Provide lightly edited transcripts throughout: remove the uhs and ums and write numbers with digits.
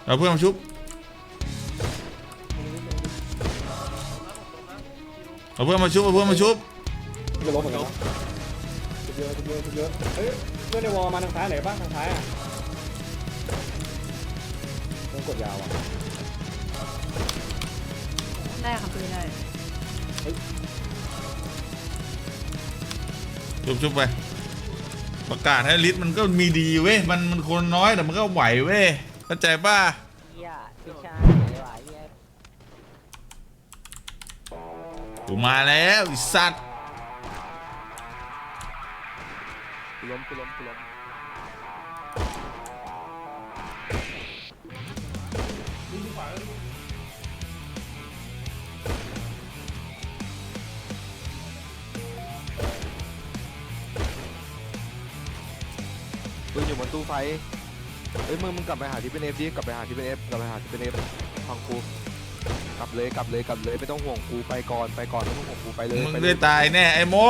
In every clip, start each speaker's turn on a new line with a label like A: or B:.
A: เอาเพื่อนมาชุบเอาเพื่อนมาชุบเอาเพื่อนมาชุบ
B: จะล้มเหมือนกันเยอะเยอะเฮ้ยเพื่อนในวอลมาทางซ้ายไหนบ้างทางซ้ายอ่ะต้องกดยาวอ่ะ
C: ได้ค่ะปืนได้
A: ชุบไปประกาศให้ลิสต์มันก็มีดีเว้ยมันคนน้อยแต่มันก็ไหวเว้ยเข้าใจป่ะกูมาแล้วไอ้สัตว์
D: ล้มปืนอยู่บนตู้ไฟเอ้ยมึงกลับไปหาที่เป็นเอฟดิกลับไปหาที่เป็นเอฟฟังกูกลับเลยไม่ต้องห่วงกูไปก่อนไม่ต้องห่วงกูไปเลย
A: มึงได้ตายแน่ไอ้โม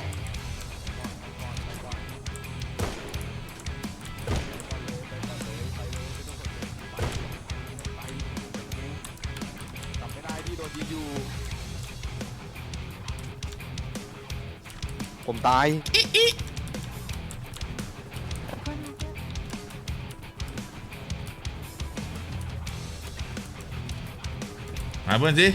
D: กลับไม่ได้พี่โดนยิงอยู่ผมตาย
A: หาเพื่อนสิ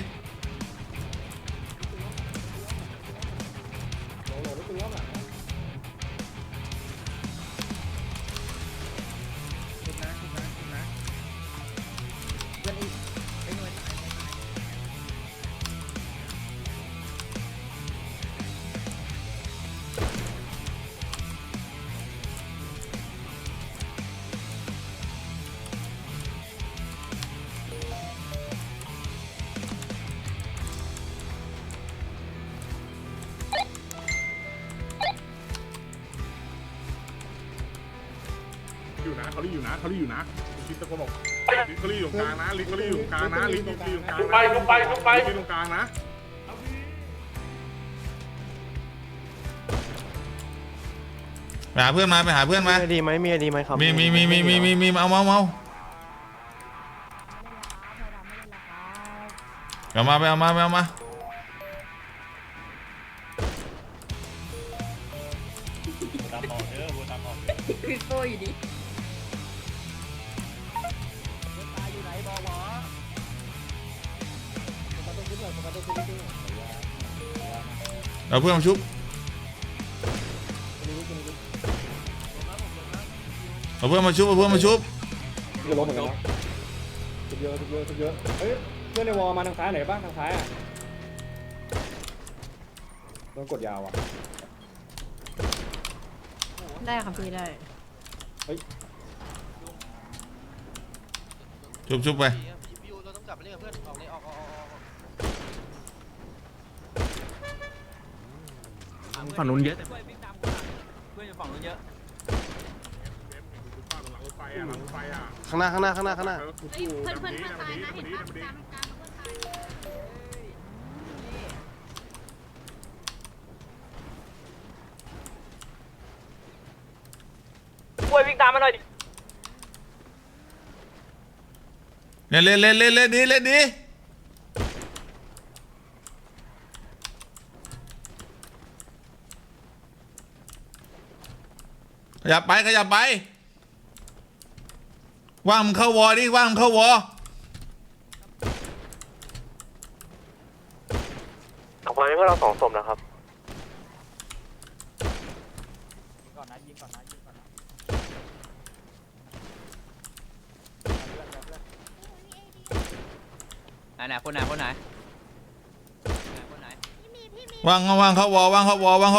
E: อยู่นะเขาอยู่นะคิดตะโกนบอกลิเขาอยู่ตรงกลางนะลิเขาอยู่ตรงกลางนะลิตรงกลางนะไปตรงกลางนะ
A: ไปหาเพื่อนมาไปหาเพื่อนมา
D: มีไหมครับ
A: มีเอาเอามาไปเอามา
C: คือโฟอยู่ดิ
A: เอาเพื่อนมาชุบเอาเพื่อนมาชุบ
B: จะล้มเหมือนกันเยอะเฮ้ยเพื่อนในวอลมาทางซ้ายไหนบ้างทางซ้ายอ่ะต้องกดยาวอ่ะ
C: ได้ค่ะปืนได้
A: ชุบไป
D: เราต้องกลับไปเล่นกับเพื่อนออกเลยออก
F: ฝั่งนู้นเยอะ
D: เพื่อนอยู่ฝั่งนู้นเยอะ
E: หลังไฟอ่ะ
D: ข้างหน้า
C: เพื่อนตายนะเห็นปะตามกลาง
D: ป่วยวิ่งตามมาหน่อยดิ
A: เล่นดีขยับไปว่างมึงเข้าวอดิว่างมึงเข้าวอ
D: ออกมาให้พวกเรา2 ศพนะครับยิงก่อนนะไหนคนไหน
A: ว่างเข้าวอ
C: มา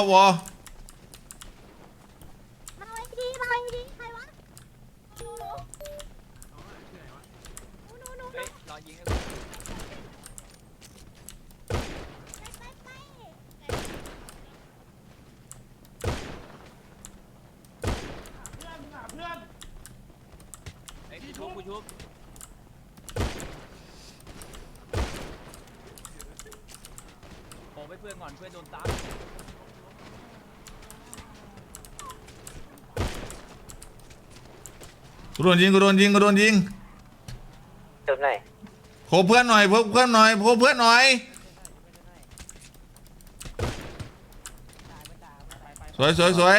C: ไว้ดีใครวะ
D: รอยิงกูชุบไปเพื่อนก่อนเพื่อนโดนตาม
A: กูโดนยิง
G: เติมไหน
A: โคเพื่อนหน่อยโคเพื่อนหน่อยโคเพื่อนหน่อยสวยสวยสวย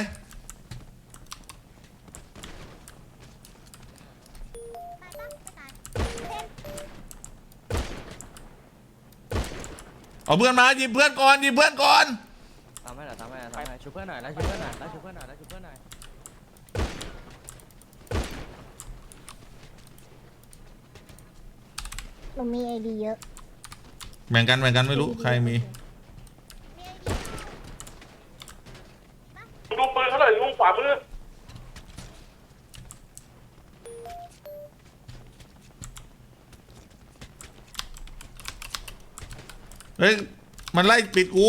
A: เอาเพื่อนมาหยิบเพื่อนก่อนหยิบเพื่อนก่อน
G: ทำให้หน่อยช่วยเพื่อนหน่อยช่วยเพื่อนหน่อยช่วยเพื่อนหน่อยช่วยเพื่อนหน่อย
C: หนูมีไอดีเยอะ
A: แบ่งกันไม่รู้ใครมี
E: ดูปืนเขาหน่อยลุงขวามือ
A: เฮ้ยมันไล่ปิดกู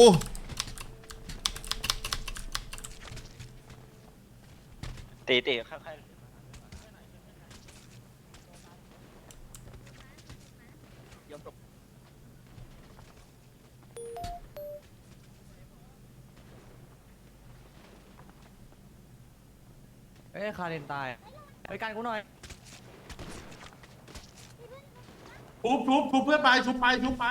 G: ตีค่อยยอมตกเอ้ยคาเรนตายไปกันกูหน่อย
E: ทุบเพื่อนไปทุบไป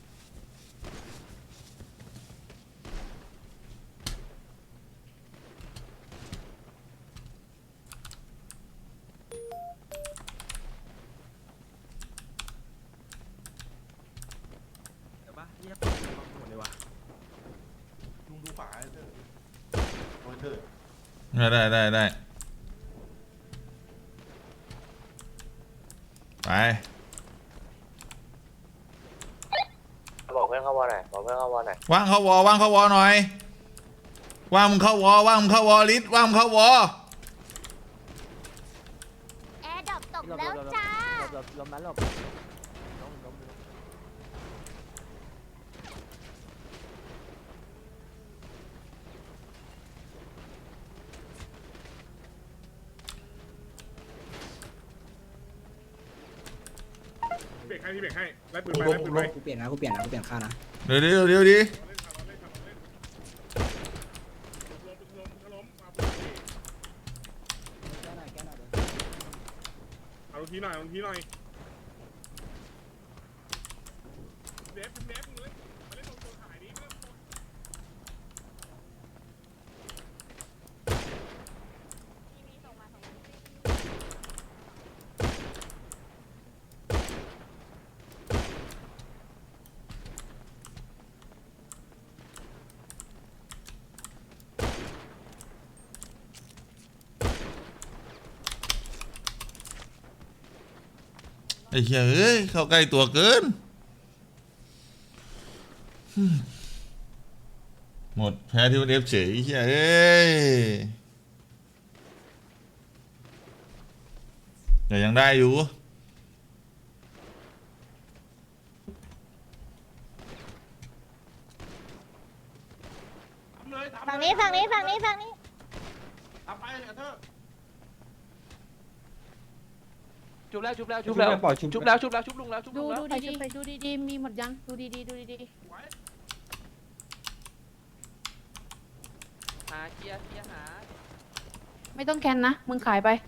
F: เดี๋ยวปะเรียกหมดเลยว่ะ
E: ลุงดูขวาเถอะโอ้ยเถอะ
A: ได้ไป
G: บอกเพื่อนเข้าวอหน่อยบอกเพื่อนเข้าวอหน่อย
A: ว่างเข้าวอหน่อยว่างมึงเข้าวอลิศว่างมึงเข้าวอ
C: แอร์ดรอปตกแล้วจ้า
G: ลมนั้นลม
E: เบรกให้ไล่ปืนไป
F: กูเปลี่ยนค่านะ
A: เดี๋ยวดิ
E: เอาทีหน่อยเดฟเลยมาเล่นตรงตัวถ่ายนี้
A: ไอ้เหี้ยเอ้ยเข้าใกล้ตัวเกินหมดแพ้ที่มันเอฟเฉยไอ้เหี้ยเอ้ยแต่ยังได้อยู่
C: ฝั่งนี้
E: ทำไปเถอะ
G: ชุบแล้ว
B: ชุบแล้วปล่อยชุบ
G: ชุบแล้วลุงแล้ว
C: ดูดีๆมีหมดยังดูดี
G: หาเกียร์หา
C: ไม่ต้องแคนนะมึงขายไป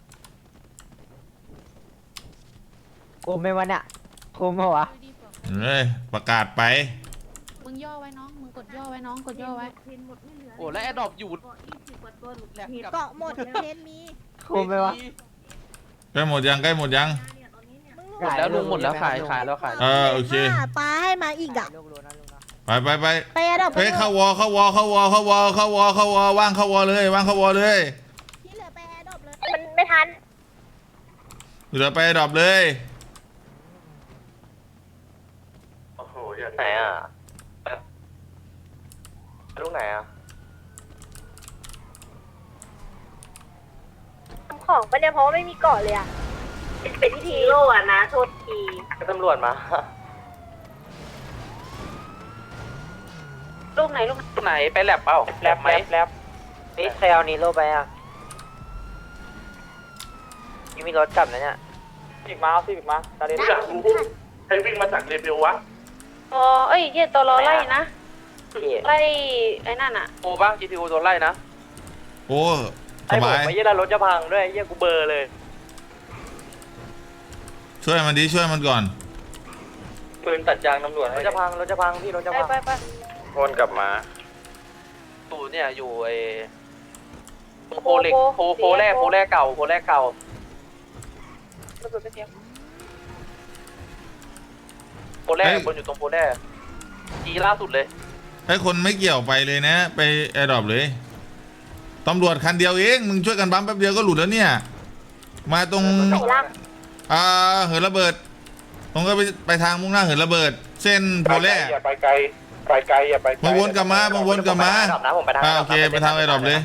G: โคมไหมวะเนี่ยโคมเหรอวะ
A: เฮ้ยประกาศไป
C: มึงย่อไว้น้องมึงกดย่อไว้น้องกดย่อไว้
G: โอ้และแอดดอปอยู่
C: เกาะหมดเพนมี
G: โคมไหมวะ
A: ใกล้หมดยัง
G: หมดแล้วลุงหมดแล้วขายแล้วขาย
A: โอเค
C: ปลาให้มาอีกอ่ะ
A: ไป
C: ไปอะดอก
A: เฮ้ยเข้าวอว่างเข้าวอเลย
C: ที่เหลือไปแอร์ดรอปเลยมันไม่ทัน
A: เหลือไปดรอปเลย
E: โอ้โหอย่า
G: ไหนอ่ะลุงไหนอ่ะ
C: ทำของปะเนี่ยเพราะว่าไม่มีเกาะเลยอ่ะเป็นที่ทีโร่อะนะโทษที
G: ตำรวจมา
C: ลูกไหนลูก
G: ไหนไปแลบเปล่าแลบไหมแลบนี่ใครเอานีโร่ไปอ่ะยังมีรถกลับนะเนี่ยอีกมาตาเดียว
E: อยากรู้ใครวิ่งมาจากเรเบลวะ
C: อ๋อเอ้ยเหี้ยตัวรอไล่นะไล่ไอ้นั่นอ่ะ
G: โอ้บ้าง GTO โดนไล่นะ
A: โอ้ส
G: ไอ้ผม
A: บาย
G: ไม่ยี่รถจะพังด้วยเยี่ยกูเบอร์เลย
A: ช่วยมันดิช่วยมันก่อน
G: ปืนตัดยางตำรวจรถจะพังพี่รถจะ
C: ไป
G: พัง
C: ไปไป
G: วนกลับมาตูเนี่ยอยู่ไอ้โพเล็กโพแรกเก่า
C: ระเบิดไปเสียง
G: โพแรกบนอยู่ตรงโพแรกทีล่าสุดเลย
A: ไอ้คนไม่เกี่ยวไปเลยนะ ไปแอร์ดรอปเลยตำรวจคันเดียวเองมึงช่วยกันบัมแป๊บเดียวก็หลุดแล้วเนี่ยมาตรง
C: ไหนล่ะ
A: เหินระเบิดตรงก็ไปทางมุ่งหน้าเหินระเบิด เส้นโพแร่
E: อย่าไปไกลอย่าไปไกล
A: มาวนกลับมาวนกลับมา
G: ผมไปทาง
A: โอเคไปทางแอร์ดรอปเลย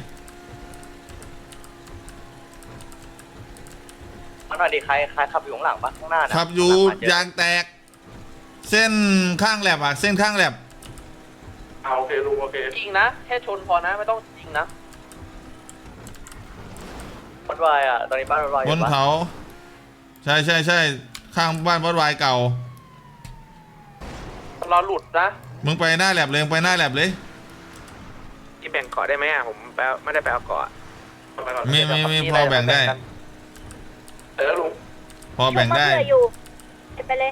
G: มันหน่อยดิใครขับอยู่ข้างหลังปะข้างหน้านะ
A: ขับอยู่ยางแตก เส้นข้างแลบเส้นข้างแลบ
E: โอเคลุงโอเค
G: จริงนะแค่ชนพอนะไม่ต้องจริงนะวัดวายตอนนี้บ้านวัดวาย
A: บนเขาใช่ข้างบ้านวัดวายเก่า
G: เราหลุดนะ
A: มึงไปหน้าแลบเลยมึงไปหน้าแลบเลย
G: ที่แบ่งเกาะได้ไหมผมไม่ได้ไปเอาเกาะ
A: มีพอแบ่งได้
E: ลุง
A: พอแบ่งได้
C: ชุบมะเขืออยู่ไปเลย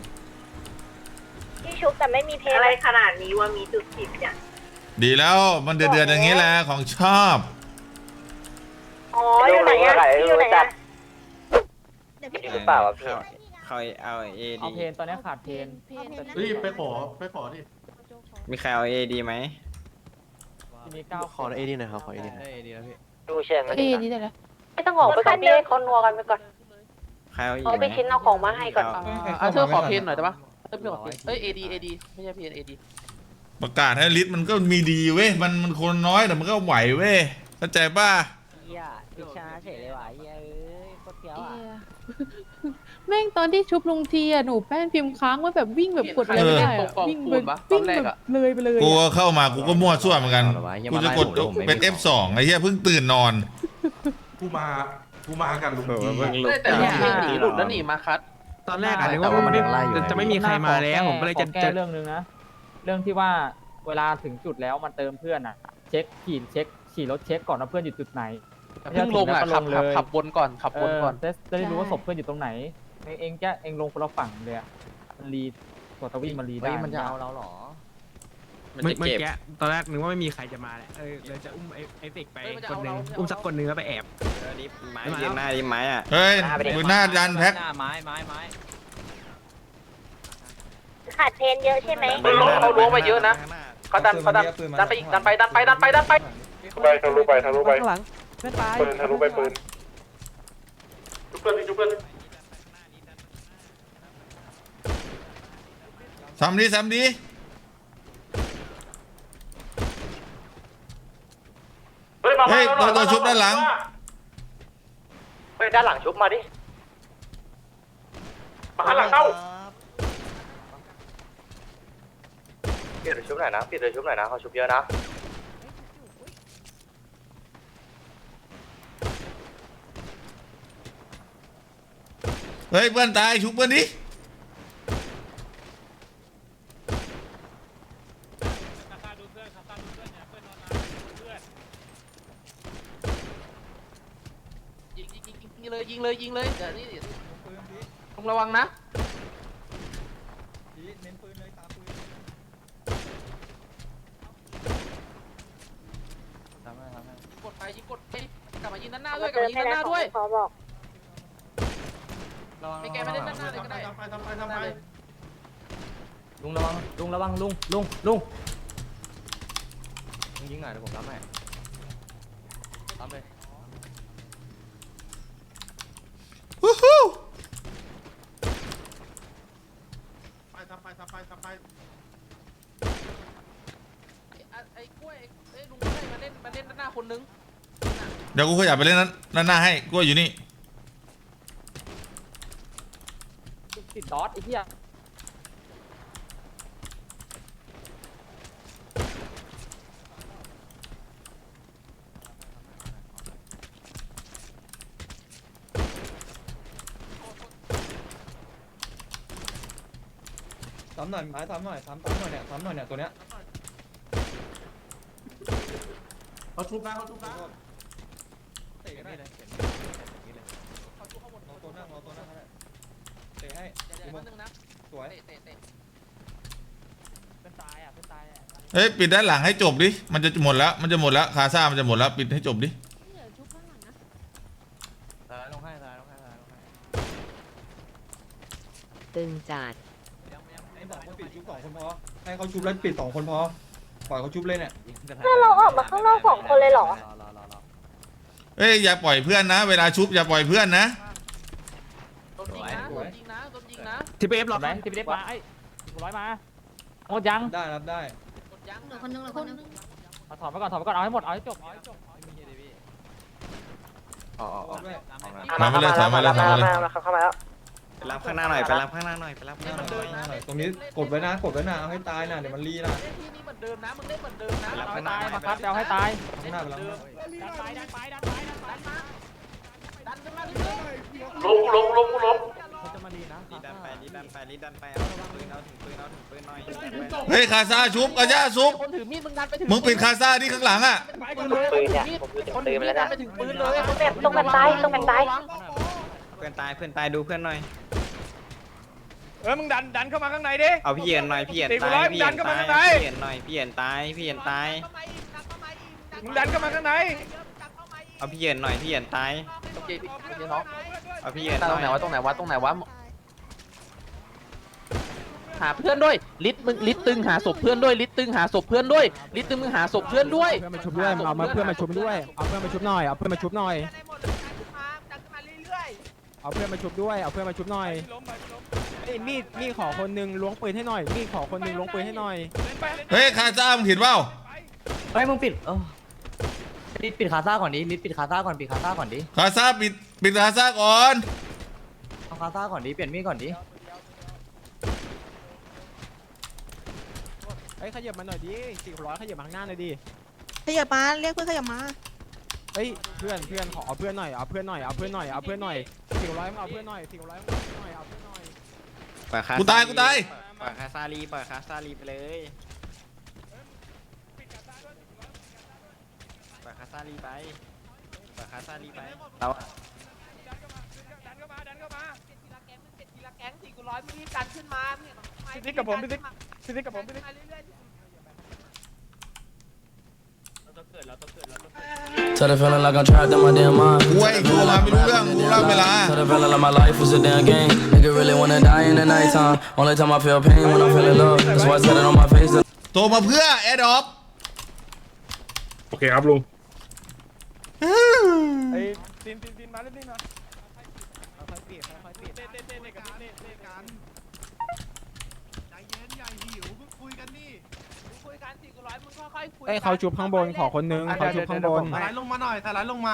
C: ที่ชุบแต่ไม่มีเพลงอะไรขนาดนี้ว่ามีจุดผิดเนี่ย
A: ดีแล้วมันเดือดอย่างนี้แหละของชอบ
C: อ๋ออยู่ไหนอะอยู่ไหนอะ
G: จริงหรือเปล่าวะพี่
F: เขาเอาเอ
H: เอา
F: ดี
H: เพนตอนนี้ขาดเพน
E: เฮ้ยไปขอดิ
F: มีใครเอาเอดีไหม
H: ที่มี9
D: ขอเอดีหน่อยครับขอเอดี
F: ได้เอดีแล้วพี่
G: ดูเชียง
C: ดีแต่ละไม่ต้องออกไปก่อนพี่ให้เขานัวกันไปก่อน
F: ใครเอาอีก
C: เอา
F: ไห
C: ไป
F: ม
C: ชิ้นเอาของมาให้ก่อน
H: เธอขอเพนหน่อยได้ปะเธอขอเพนเอ้ยเอดีไม่ใช่เพนเอดี
A: ประกาศให้ลิสต์มันก็มีดีเว้ยมันคนน้อยแต่มันก็ไหวเว้ยเข้าใจป่ะ
G: เฮียพิชาเฉยเลยว่ะเฮียโคตรเฟี้ยวอ่ะ
I: แม่งตอนที่ชุบลุงทีอ่ะหนูแป้นพิมพ์ค้างว่าแบบวิ่งแบบกดอะไรไม่ได้อะวิ่งแบบเลยไปเลย
A: กูก็เข้ามากูก็มั่วซั่วเหมือนกันกูจะกดเป็น F2 ไอ้เหี้ยเพิ่งตื่นนอน
E: กูมากันลุง
H: แต่เนี่ยหนีหลุดแล้วหนีมาคัด
F: ตอนแรกอะนึกว่าจะไม่มีใครมาแล้วผมก็เลยจะ
H: แก้เรื่องนึงนะเรื่องที่ว่าเวลาถึงจุดแล้วมันเติมเพื่อนอ่ะเช็คขี่รถเช็คก่อนว่าเพื่อนอยู่จุดไหนเพิ่งลงอ่ะขับบนก่อนจะได้รู้ว่าศพเพื่อนอยู่ตรงไหนเองลงคนละฝั่งเลยอ่ะมันรีตัวตะวิ่งมันรีได้
G: มันจะเอาเราหรอ
F: เมื่อกี้ตอนแรกนึกว่าไม่มีใครจะมาแหละเลยจะอุ้มไอ้เฟกไปคนนึงอุ้มสักคนนึงแล้วไปแอบไม้เย็นหน้าดิไม้อ่ะ
A: เฮ้ยมึงหน้าดันแพ็ค
G: ไม้
C: ขาดเพลงเยอะใช่ไหม
G: เขาล้วงไปเยอะนะเขาดันไปอีกดันไป
E: ไปทะลุไป
I: ข้างหลังเพื่อนตาย
E: ปืนทะลุไปปืนจุ๊บเพื่อน
A: ซ้ำดี เฮ้ยตัวชุบด้านหลัง
G: เฮ้ยด้านหลังชุบมาดิ
E: มาหลังเข้า
G: เปลี่ยนชุบหน่อยนะเขาชุบเยอะนะ
A: เฮ้ยเพื่อนตายชุบเพื่อนดิ
H: ยิงเลยเดี๋ยวนี่ต้องระวังนะกดไปยิงกดไปกลับมายิงด้านหน้าด้วย
C: ขอบอก
H: ไม่แกไม่ได้ด้านหน้าเลยก็ได้
E: ทำไป
G: ลุงระวังลุงยิงหน่อยเดี๋ยวผมรับให้รับเลย
A: วู้ฮู้
E: ทำไป
H: ไอ้กล้วยลุงได้มาเล่นด้านหน้าคนนึง
A: เดี๋ยวกูขยับไปเล่นด้านหน้าให้กูอยู่นี่
H: ติดดอทไอ้เหี้ย
B: ซ้ำหน่อยไม้ซ้ำหน่อยเนี่ยตัวเนี้ย
E: เขาชุบนะ
B: เตะกันได้เลยรอตัวนั่งสวย
H: เป็นตายอ่ะเป็นตายอ่ะ
A: เฮ้ยปิดด้านหลังให้จบดิมันจะหมดแล้วมันจะหมดแล้วคาซ่ามันจะหมดแล้วปิดให้จบดิ
I: เหลือชุบข้างหลังนะ
D: ลงให้ลงให้
C: ตึงจัด
B: ให้บอกว่าปิดชุบ2 คนพอให้เขาชุบแล้วปิด2 คนพอปล่อยเขาชุบเลยเนี่ย
C: ถ้าเราออกมาข้างนอก2 คนเลยเหรอ
A: เฮ้ยอย่าปล่อยเพื่อนนะ เวลาชุบอย่าปล่อยเพื่อนนะ
F: ทีพีเอฟหรอ
H: ไหนทีพีเอฟมาไอ้400มาหมดยัง
B: ได้รับได้
I: เหลือคนนึงเหลือคนนึง
H: เอาถอดไปก่อนเอาให้หมดเอาให้จบ
B: ด้วย
A: ถอยมาเลยถอยมาเลยถอยมาเลย
G: เข้ามาแล้ว
F: ไปรับข้างหน้าหน่อยไปรับข้างหน้าหน่อยไปรับข้างหน้าหน่อย
B: ตรงนี้กดไว้นะเอาให้ตายนะเดี๋ยวมันรีนะ
F: ไปรับข้างหน้า
H: ตายมาครับเอาให้ตาย
B: ข้างหน้าไปแล้ว
H: ดันไปดันไปดันไปดันไป
G: ล้ม
H: เขาจะมาดีนะ
F: ดันไปดันไปเอาถึงปืนหน่อย
A: เฮ้ยคาซ่าชุบคาซ่าชุบ
H: คนถือมีดมึงดันไปถึง
A: มึงปิดคาซ่าที่ข้างหลังอ่ะ
G: ปืนเนี่ยผมอยู่
H: คน
G: ปื
H: ถื
G: น
H: อ
G: ไป
H: มีด
G: แล้ว
H: ดั
G: นะ
H: นไปถึงปืนเลย
C: ต้องเป็นตายต้องเป็นตาย
F: เพื่อนตายดูเพื่อนหน่อย
H: มึงดันเข้ามาข้างในดิ
F: เอาพี่เย็นหน่อยพี่เย็นตายพี่เย็นตายพี่เย็นหน่อยพี่เย็นตายพี่เย็นตาย
H: มึงดันเข้ามาข้างใน
F: เอาพี่เย็นหน่อยพี่เย็นตาย
G: น้อง
F: เอาพี่เย็น
G: ตรงไหนวะตรงไหนวะหาเพื่อนด้วยลิตตึงหาศพเพื่อนด้วยลิตตึงหาศพเพื่อนด้วยลิตตึงมึงหาศพเพื่อนด้วย
H: เพื่อนมาชุบด้วยเอามาเพื่อนมาชุบด้วยเอาเพื่อนมาชุบหน่อยเอาเพื่อนมาชุบหน่อยเอาเพื่อนมาชุบด้วยเอาเพื่อนมาชุบหน่อยไอ้มีดขอคนนึงล้วงปืนให้หน่อยมีดขอคนนึงล้วงปืนให้หน่อย
A: เฮ้ยคาซ่ามึงเห็นเปล่า
H: เฮ้ยมึงปิดปิดคาซ่าก่อนดิลิดปิดคาซ่าก่อนปิดคาซ่าก่อนดิ
A: คาซ่าปิดคาซ่าก่อน
H: เอาคาซ่าก่อนดิเปลี่ยนมีดก่อนดิเฮ้ยขยับมาหน่อยดิ400ขยับมาข้างหน้าหน่อยดิ
I: ขยับมาเรียกเพื่อนขยับมา
H: เฮ้ยเพื่อนขอเอาเพื่อนหน่อยเอาเพื่อนหน่อย400มาเอาเพื่อนหน่อย400มาเอาเพื่อนหน่อย
A: กูตาย
F: ปล่อยคาซาลีไปเลยปล่อยคาซาลีไปเรา
H: พี่กับผมพี่กับผม
J: Tell the feeling like I'm trapped in my damn mind.
A: กูไอ้กูมาไม่รู้เรื่องกูเล่าเวลา
J: Tell the feeling like my life was a damn game. Nigga really wanna die in the nighttime. Only time I feel pain when I'm feeling love. That's why I said it on my face.
A: โตมาเพื่อแอดออฟ
E: โอเคครับลุง
H: ไอ้ตีนมาเล่นนี่มาค่อยๆปิดเต้นกับเต้กันใจเย็นอย่าหิวคุยกันนี่คุยกัน400มึงค่อยๆคุยเอ้ยเขาชุบข้างบนขอคนนึงเขาชุบข้างบน
F: สไลด์ลงมาหน่อยสไลด์ลงมา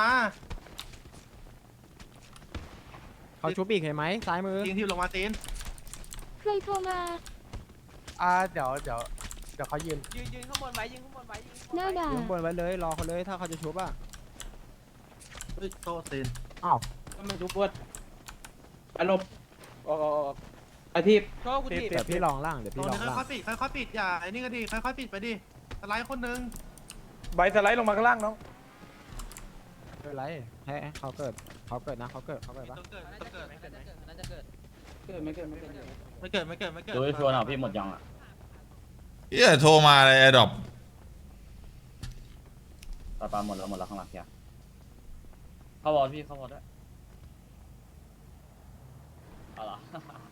H: เขาชุบอีกเห็นไหมซ้ายมือ
F: ตีนที่ลงมาตีน
I: ใครโทรมา
F: เดี๋ยวเขายืน
H: ข้างบนไว้ยิงข้างบนไว้
I: หน้าด่า
H: ข้างบนไว้เลยรอเขาเลยถ้าเขาจะชุบอ่ะ
F: โตตีน
H: อ้าวมันชุบปวดไปลบไอพี่เดี๋ยวพี่ลองล่างเดี๋ยวพี่ลองล่าง
F: ค่อยปิดอย่าไอ้นี่ก็ดีค่อยๆปิดไปดิสไลด์คนนึง
H: ใบสไลด์ลงมาข้างล่างน้องไม่เป็นไรให้เขาเกิดนะเขาเกิดปะ
F: ไม่เกิด
J: ดูไอ้ชวนเอาพี่หมดยังอ่ะ
A: เฮียโทรมาเลยแอดอป
J: ปลาหมดแล้วข้างหลังเพียเข้าวอลพี่เข้าวอลด้วยเอาล่ะ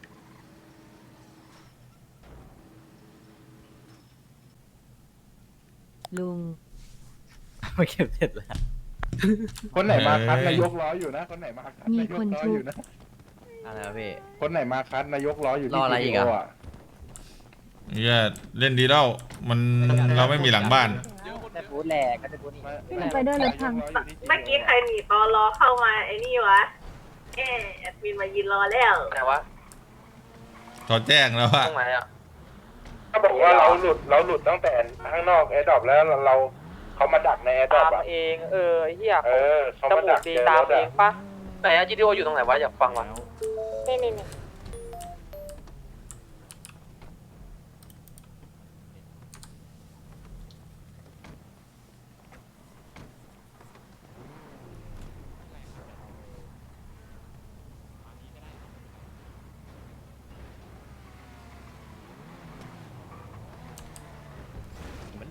C: ลุง
H: ไม่เก็บเสร็จแล้ว
E: คนไหนมาคัดนายกล้ออยู่นะคนไหนมาคัดนายกล้ออยู่นะ
H: อะไรวะพี่
E: คนไหนมาคัดนายกล้ออยู่ที่
H: รออะไรอีกอะ
E: GTO
A: เฮียเล่นดีแล้วมันเราไม่มีหลังบ้าน
H: แต่พูดแหลกก็จะพูดนี่
I: พี่หนูไปด้วยรถพัง
C: เมื่อกี้ใครหนีตอรอเข้ามาไอ้นี่วะแอดมินมายืนรอแล้ว
G: ไหนวะ
A: เขาแจ้งแล้วว่า
G: ตรงไหนอ่ะ
E: เขาบอกว่าเราหลุดตั้งแต่ข้างนอกแอร์ดรอปแล้วเราเขามาดักในแอร์ดรอปอ่ะ
H: เองไอ้เหี้ย
E: เขามาดักเจอรถอ่ะ
G: ไหนอะ GTO อยู่ตรงไหนวะอยากฟังวะ
C: นี่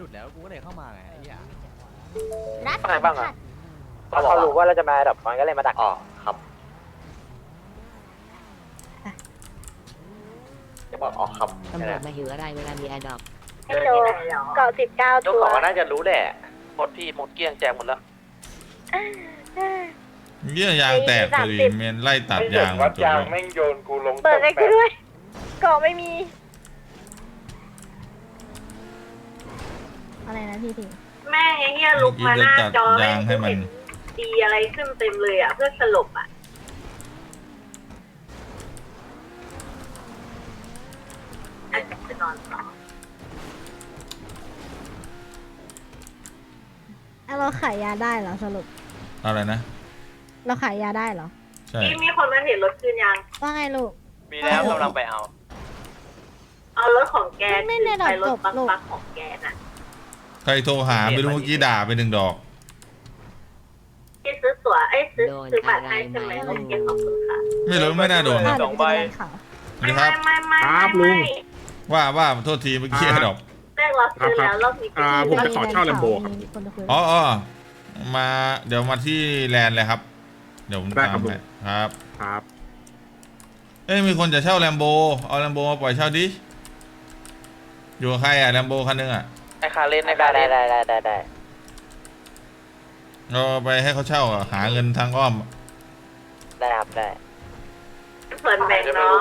F: แล้วกูก็เลยเข้ามาไงไอ้เหี้ย
C: รัด
G: อะไรบ้างอ่ะ
H: เขารู้ว่าเราจะมาดับมันก็เลยมาดัก
G: อ๋อครับจะบอกอ๋อครับ
C: ตำรวจมาหิวก็ได้เวลามีแอร์ดรอปให้โจเกาะ19
G: เจ้า
C: ตัว
G: ของก็น่าจะรู้แหละหมดพี่หมดเกลี้ยงแจกหมดแล้ว
A: เยี่ยยางแตกพอดีเมนไล่ตัดยางตัว
E: แม่งโยนกูลง
C: เปิดให้กูด้วยเกาะไม่มี
I: อะไรนะพี่ถึง
C: แม่งไอ้เหี้ยลุกมาหน้าจอ
A: เมื่อกี้จะตัดยางให้มัน
C: ดีอะไรขึ้นเต็มเลยอ่ะเพื่อสลบอ่ะอาจจะไปนอนต่อ
I: เราขายยาได้เหรอสรุป
A: อะไรนะ
I: เราขายยาได้เหรอ
A: ใช่
C: นี่มีคนมาเห็นรถคืนยัง
I: ว่าไงลูก
G: มีแล้วกำลังไปเอา
C: เอารถของแก
I: ไม่
C: คื
I: ได้
C: อไปรถ
I: จบ
C: บัง
I: ลูก
C: บักของแกน่ะ
A: ใครโทรหาไม่รู้เมื่อกี้ด่าไป1 ดอก
C: ที่ซื้อตั๋วซื้อบัตรให้ใช่ไหมโอเคขอบคุณค่ะ
A: ไม่รู้ไม่น่าโดน
I: อ่ะ
A: นะ
I: เดี๋ยวไปดูข่าว
A: นี่ครับ
C: ไม่
A: ว่าโทษทีเมื่อกี้ดอก
C: แรกเราซื้อแล้วรอบนี้
E: ผมจะขอเช่าแลมโบครับ
I: มีคนจะคุย
A: อ๋อมาเดี๋ยวมาที่แลนด์เลยครับ เดี๋ยวผม
E: ได้
A: ตาม
E: ครับ
A: ไปครับ
E: ครับ
A: เอ้ยมีคนจะเช่าแลมโบเอาแลมโบมาปล่อยเช่าดิอยู่กับใครอะแลมโบคันนึงอะ
G: ไอ้คาเล่นไอ้คาเล่น
H: ได้
A: เราไปให้เขาเช่าอะหาเงินทางอ้อม
H: ได้ครับได้
C: ส่วนแบ่งน้อง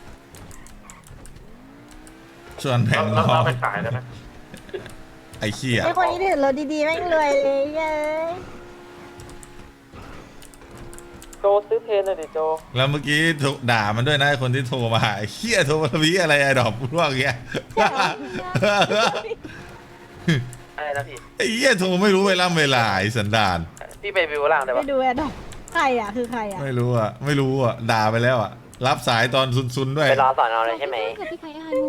A: ส่วนแบ่งน้อง
E: ไปขายได้ไหม
A: ไอ้เขี้ย
I: ไอคนนี้ถือรถดีๆแม่งรวยเลยเย้ย
H: โจซื้อเพนเลยดิโจ
A: แล้วเมื่อกี้ด่ามันด้วยนะไอ้คนที่โทรมาไอ้เขี้ยโทรมาวิอะไรไอ้ดอกพวกเงี้ย
G: อะไรนะพี่
A: ไอ้เหี้ยโทรไม่รู้เวลาไอ้สันดาน
G: พี่ไปวิวล่างได้
I: ไป
G: ปะ
I: ดูแอดดอกใครอ่ะคือใครอ่ะ
A: ไม่รู้อ่ะด่าไปแล้วอ่ะรับสายตอนซุนๆด้วย
H: ไปรอสอนเอาเลยใช่ไหม
I: กับพี่ใครอ่ะดู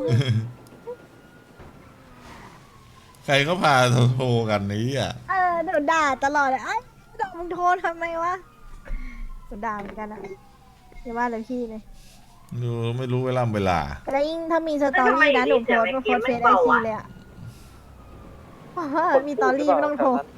A: ใครก็พาโทรกันนี้อ่ะ
I: เดี๋ยวด่าตลอดเลยไอ้ดอกมึงโทรทำไมวะเดี๋ยวด่าเหมือนกันอ่ะอย่าว่าเลยพี่เลย
A: ดูไม่รู้เวลา
I: แล้วยิ่งถ้ามีสตอรี่นะหนูโพสต์เฟซไอจีเลยอ่ะมีตอรี่ไม่ต้องโทร